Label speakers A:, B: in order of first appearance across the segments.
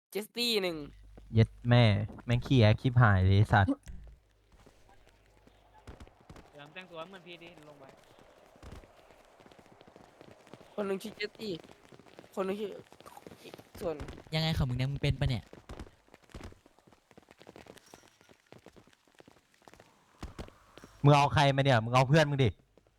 A: เจสตี้หนึ่ง
B: เย็ดแม่แม่งขี้แอคคลิปหายเลยสัตว์
C: เดี๋ยวแต่งตัวเหมือนพี่ดิลงไป
A: คนหนึ่งชื่อเจสตี้คนหนึ่งชื่อส่วน
D: ยังไงของมึงเนี่ยมึงเป็นปะเนี่ย
B: มึงเอาใครมาเนี่ยมึงเอาเพื่อนมึงดิ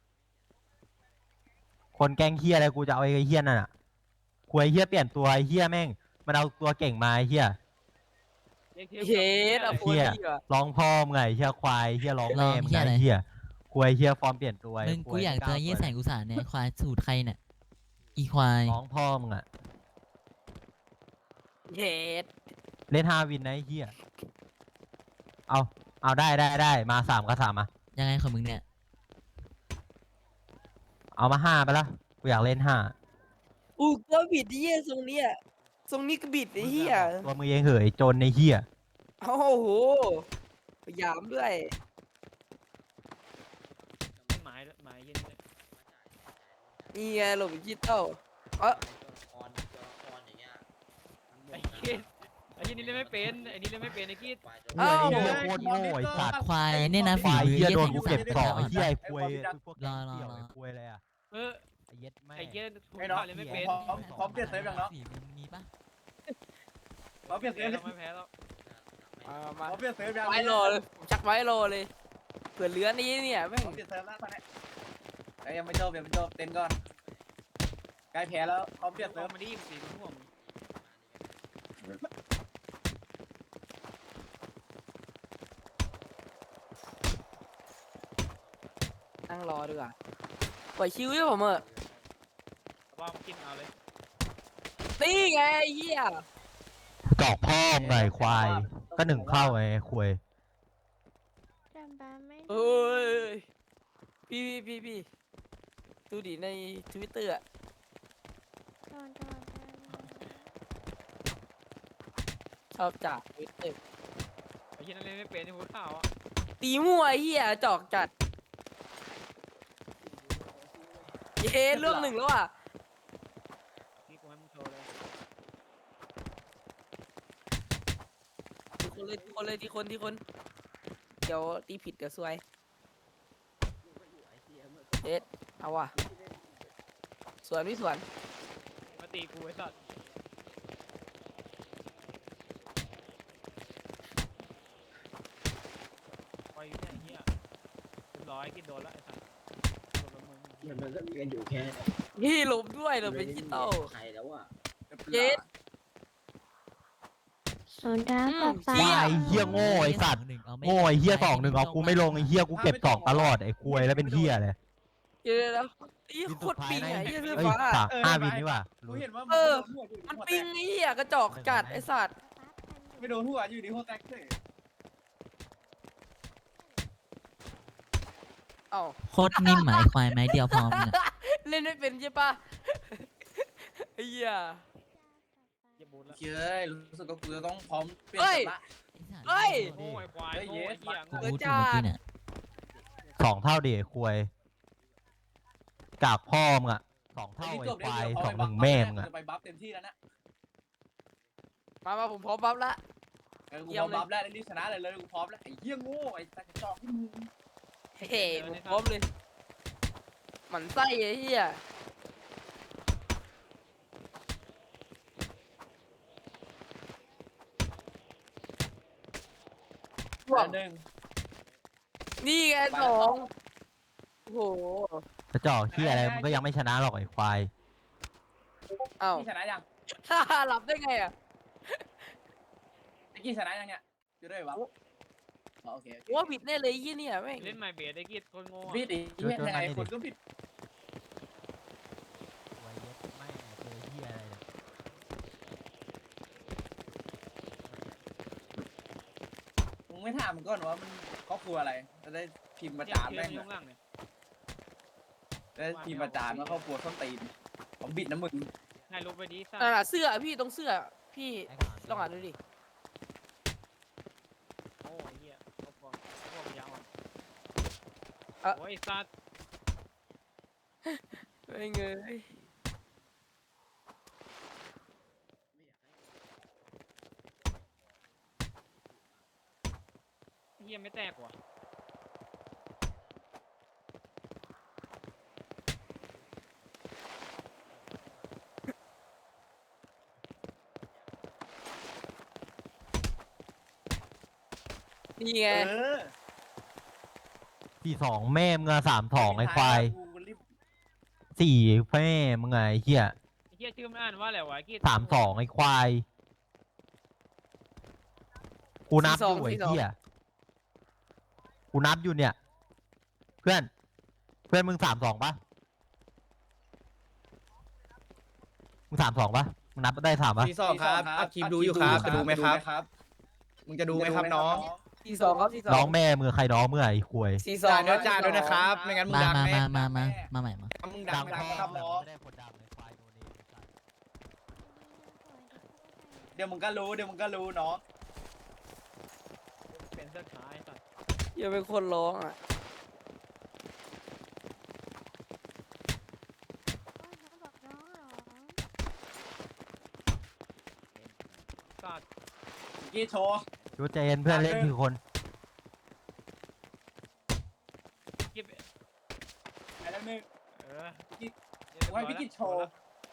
B: คนแกล้งเฮียอะไรกูจะเอาไอ้เฮียนั่นอ่ะกูไอ้เฮียเปลี่ยนตัวไอ้เฮียแม่งมันเอาตัวเก่งมาไอ้เฮีย
A: เฮดอะโพ
B: เฮีย
A: ลี่อะ
B: ร้องพ่อมึงไงเฮียควายเฮียร้อง
D: ร้
B: แม่
D: อง
B: มึง
D: เหี้ย
B: ไง
D: อะไร
B: เฮียควายเฮียฟอร์มเปลี่ยนตัว
D: มึงกูอยากเจอยี่แสง
B: กู
D: อุตสาหเนี่ยควายสูตรใครเนี่ยอีควาย
B: ร้องพ่อมึงอ่ะ
A: เฮด
B: เล่น5 วินนะไอ้เฮียเอาได้มา3 กับ 3มา
D: ยังไงของมึงเนี่ย
B: เอามา5ไปละกูอยากเล่น5
A: อู้ก็บิดไอ้เหี้ยทรงเนี้ยทรงนี้ก็บิดไอ้เหี้ย
B: ตัวมึงเองเหยจนในเฮีย
A: โอ้โหพยายามด้วย
C: หมายเย็นเลย
A: นี่ไงหลบดิจิตอลเออ
C: ไอ้คิดไอ้นี่เล่นไม่เป็นไอ้นี่เล่นไม่เป็นไอ้คิด
B: เฮียนี่เฮียโคตรโง่ไอ้สัตว์
D: ควายเนี่ยนะ
B: ค
D: ฝี
B: วาย
D: มือ
B: เฮีย
D: ยี่
B: โด
D: แส
B: น
D: ง
B: กู
D: อุตสา
B: เก็บ
D: ห
B: สอง
D: อ่อน
B: ไอ้เฮียไอ้ควยพวก
D: รอ
B: เกี่ยวไอ้ควยอะไรอ่ะ
C: เออ
B: ไอ้เย็ดแม่
C: ไอ้เย็นถูก
E: ไอ้น้อง
C: เล่นไม่เป็น
E: พร้อมเปลี่ยนเซฟยังเนาะ
D: ฝีมือมีปะ
E: พร้อมเปลี่ยนเซ
C: แพ้
E: ฟ
C: แล้วไม่แพ้แล้ว
A: มา
E: พร้อมเปลี่ยนเซฟยัง
A: ไว้รอเลยผมชักไว้รอเลยเผื่อเหลือนี้เนี่ยแม่ง
E: พร้อมเปลี่ยนเซฟแล้วตอนนี้ไอ้ยังไม่จบเต้นก่อนใกล้แพ้แล้วพร้อมเปลี่ยนเซ
C: เซิร์
E: ฟ
C: ฟมาดิสีมันห่วง
A: นั่งรอดีกว่าปล่อยชิวด้วยผมเออ
C: ว่ามันกินเอาเลย
A: นี่ไงไอ้เหี้ย
B: จอกพ่อมึงไงควายก็1 เข้าไงไอ้ควย
F: จำบ้าไม่ได้
A: เอ้ยพี่ดูดิในทวิตเตอร์อะ
F: โดน
A: ชอบจากทวิตเตอร์
C: ไอ้เย็นนั่นเล่นไม่เป็นไอ้หัวขาวอ่ะ
A: ตีมั่วไอ้เหี้ยจอกจัดเย้เรื่องหนึ่งแล้วอ่ะ
C: นี่กูให้มึงโชว์เลย
A: ทีคนเดี๋ยวตีผิดเดี๋ยวซวยเด็ดเอาว่ะสวนพี่สวน
C: มาตีกูไอ้สัตว์ไปอยู่เนี่ยไอ้เหี้ยเรียบร้อยกินโดนแล้วไอ้สัตว์โดนละมึง
G: มันก็มีกันอยู่แค่
A: พี่หลบด้วยหลบเป็นจิตอล
G: ใครแล้วอ่ะ
A: เย็ด
F: โซดาป๊าป๊า
B: ควายเฮียโง่ไอ้สัตว์ โง่ไอ้เฮีย2-1เอากูไม่ลงไอ้เฮียกูเก็บ2ตลอดไอ้ควยแล้วเป็นเฮียเลย
A: เจอแล้วตีโคตรปิงไงยี่ซื้อ
B: เอ้ย
A: ฟ้า
B: 5 วินนี่ว่ะ
E: กูเห็นว่า
A: มันปิงไอ้เหี้ยกระจอกจัดไอ้สัตว์
E: ไม่โดนหัวอยู่ดีหัวแตกเลย
A: เอ้า
D: โคตรนิ่มหมายควายไม้เดียวพร้อมเนี่ย
A: เล่นไม่เป็นใช่ปะไอ้เหี้ย
C: เย็บบูทแล้ว
E: เฮ้ยรู้สึกว่ากูจะต้องพร้อมเปลี่ยน
A: เฮ้ย
E: เซฟละ
A: เฮ้ย
C: โง่ไอ้ควาย
E: เฮ้ย
C: โง่ไอ้เหี้ย
D: กู
C: โง่
D: รู้จุดเมื่อกี้เนี่ย
B: 2 เท่าดิไอ้ควยกากพ่อมึงอ่ะ2 เท่าไอ้ควาย2-1แม่มึงอ่ะ
E: จะไปบัฟเต็มที่แล้วนะ
A: มาผมพร้อมบัฟละ
E: กูพร้อมบัฟแล้วรีบชนะเลยกูพร้อมแล้วไอ้เหี้ยโง่ไอ้สัตว์จอกที่มึง
A: เฮ้ยผมพร้อมเลยหมันไส้ไอ้เหี้ยร่วง
E: หนึ่ง
A: นี่ไงสองโอ้โห
B: กระจอกเฮียอะไรมึงก็ยังไม่ชนะหรอกไอ้ควาย
A: เอ้า
E: พี่ชนะยัง
A: หลับได้ไงอ่ะ
E: ไอ้กี้ชนะยังเนี่ยอยู่ด้วยวะโอเค
A: ว่าผิดแน่เลยยี่เนี่ยแม่ง
C: เล่นไมเบสไอ้กิดคนโง่
E: ผิดอีกยังไงคนก็ผิด
B: ควยเย็ดแม่เจอเฮียอะไรเนี่ย
E: มึงไม่ถามมันก่อนว่ามันครอบครัวอะไรจะได้พิมพ์ประ
C: เทีย
E: จาน
C: เทีย
E: แม่ง
C: ยุ่งล่างเนี่ย
E: ได้พิมพ์ประจานว่าครอบครัวส้นตีนผมบิดนะมึง
C: ให้ลุกไปดิสัต
A: นั่น
C: ว์
A: น่ะเสื้อพี่ตรงเสื้อพี่ลองอ่านดูดิ
C: โอ้ไอ้เหี้ยพวกยาวอ่ะ
A: เอ่อ
C: โอ้ยไอ้สัตว์
A: ไม่เงย
C: หี้ยไม่แตกว่ะ
A: นี่ไง
E: เออ
B: สี่สองแม่มึงอะ32ไอ้ควาย
E: กูรีบ
B: สี่แม่มึงไงไอ้เหี้ย
C: ไอ้เหี้ยชื่อมันอ่านว่าอะไรวะไอ้กี้
B: 32ไอ้ควายกูนับอยู่ไอ้เหี้ยกูนับอยู่เนี่ย เพื่อนมึง32ปะมึง32ปะมึงนับได้3ปะ
G: ที่สองครับอัดคลิปดูอยู่ครับจะดูไหมครับ
E: ครับ
G: มึงจะดูไหมครับน้อง
A: 42ครับ42
B: น้องแม่มือใครน้องเมื่อไอ้ควย
A: 42
G: จ่ายด้วยนะครับ ไม่งั้นมึง
D: มา
G: ดัง
D: มา
G: แน่
D: มาใหม่มา
G: มึงดัง
B: พ่อ
G: ครับน้อง
B: ไม่ได้คนดังไอ้ควายโดนเองไอ้สัส
E: เดี๋ยวมึงก็รู้น้อง
C: เป็นเสื้อขาวไอ้สัตว์
A: อย่าเป็นคนร้องอ่ะ
C: สัตว์
E: กี้โชว์
B: ดูใจเย็นเพื่อนเล่นคือคน
C: กิ๊บ
E: ไปแล้วนึง
C: เออ
E: กูให้พี่กิจโชว์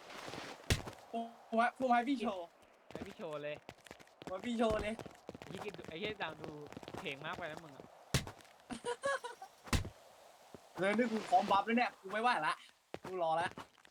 E: กูให้พี่โชว์
C: ให้พี่โชว์เลย
E: กูให้พี่โชว์เลย
C: ไอ้กี้ไอ้เหี้ยดังดูเพลงมากไปนะมึงอะ
E: เลยนี่กูพร้อมบัฟแล้วเนี่ยกูไม่ไหวละกูรอละ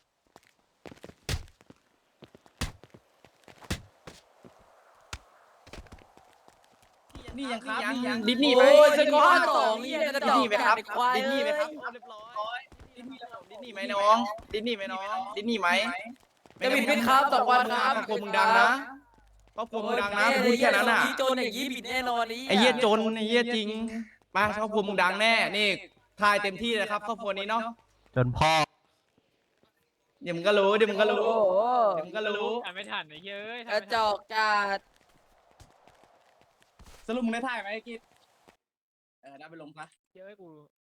E: นี่ยังครับนี่ยัง
G: ดิสนีย์ไหม
A: โอ้ยสกอร์2นี่กระจอก
G: ดิสนีย์ไหมครับ
A: ไอ้ควาย
G: ดิสนีย์ไหมครับ
A: เอ้ย
G: เรียบร้อยดิสนีย์ไหมน้องดิสนีย์ไหมน้องดิสนีย์ไหม
A: จะบิดเป็นครับ2 วันครับ
G: ครอบครัวมึงดังนะครอบครัวมึงดังนะพูดแค่นั้นน่ะ
A: โจนอย่างนี้บิดแน่นอนนี่
G: ไอ้เหี้ยจนไอ้เหี้ยจริงมาครอบครัวมึงดังแน่นี่ทายเต็มที่เลยครับครอบครัวนี้เนาะ
B: จนพ่อ
G: เดี๋ยวมึงก็รู้เดี๋ยวมึงก็รู้
A: โอ้โห
G: เดี๋ยวมึงก็รู้
C: อ่านไม่ทันไอ้เหี้ยเอ้ย
A: กระจอกจัด
E: สรุปมึงได้ถ่ายไหมไอ้กิจได้ไปลงปะ
C: เหี้ยเอ้ยกู